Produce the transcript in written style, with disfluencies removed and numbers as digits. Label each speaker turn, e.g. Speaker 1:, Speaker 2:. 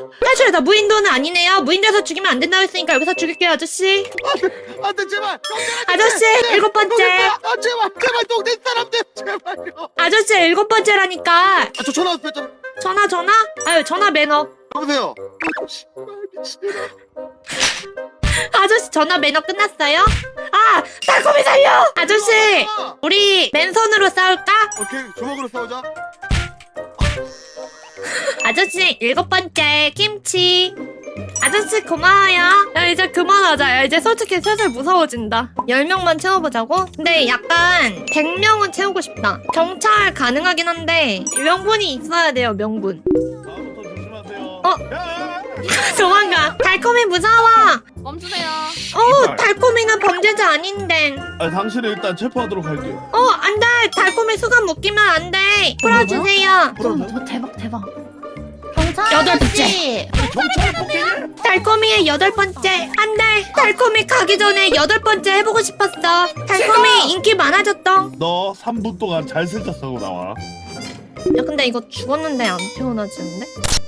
Speaker 1: 사실 나 무인도는 아니네요. 무인도에서 죽이면 안 된다고 했으니까 여기서 죽일게요, 아저씨.
Speaker 2: 안돼 제발.
Speaker 1: 아저씨, 7번째.
Speaker 2: 제발 동네 사람들 제발요.
Speaker 1: 아저씨, 7번째라니까.
Speaker 2: 저 전화 왔어요.
Speaker 1: 전화? 아유, 전화 매너.
Speaker 2: 여보세요.
Speaker 1: 아저씨, 전화 매너 끝났어요? 아, 달콤이 살려! 아저씨, 우리 맨손으로 싸울까?
Speaker 2: 오케이 주먹으로 싸우자.
Speaker 1: 아저씨, 7번째, 김치. 아저씨, 고마워요. 야, 이제 그만하자. 야, 이제 솔직히 슬슬 무서워진다. 10명만 채워보자고? 근데 약간 100명은 채우고 싶다. 경찰 가능하긴 한데 명분이 있어야 돼요, 명분.
Speaker 2: 다음부터 조심하세요.
Speaker 1: 도망가. 달콤이 무서워.
Speaker 3: 멈추세요.
Speaker 1: 달콤이는 범죄자 아닌데.
Speaker 2: 당신을 일단 체포하도록 할게요.
Speaker 1: 안 돼. 달콤이 수갑 묶이면 안 돼. 풀어주세요.
Speaker 3: 대박.
Speaker 1: 경찰 8번째.
Speaker 2: 경찰 폭행.
Speaker 1: 달콤이의 8번째. 안 돼. 달콤이 가기 전에 8번째 해보고 싶었어. 달콤이 인기 많아졌다.
Speaker 2: 너 3분 동안 잘생겼다고 나와.
Speaker 1: 야, 근데 이거 죽었는데 안 태어나지는데?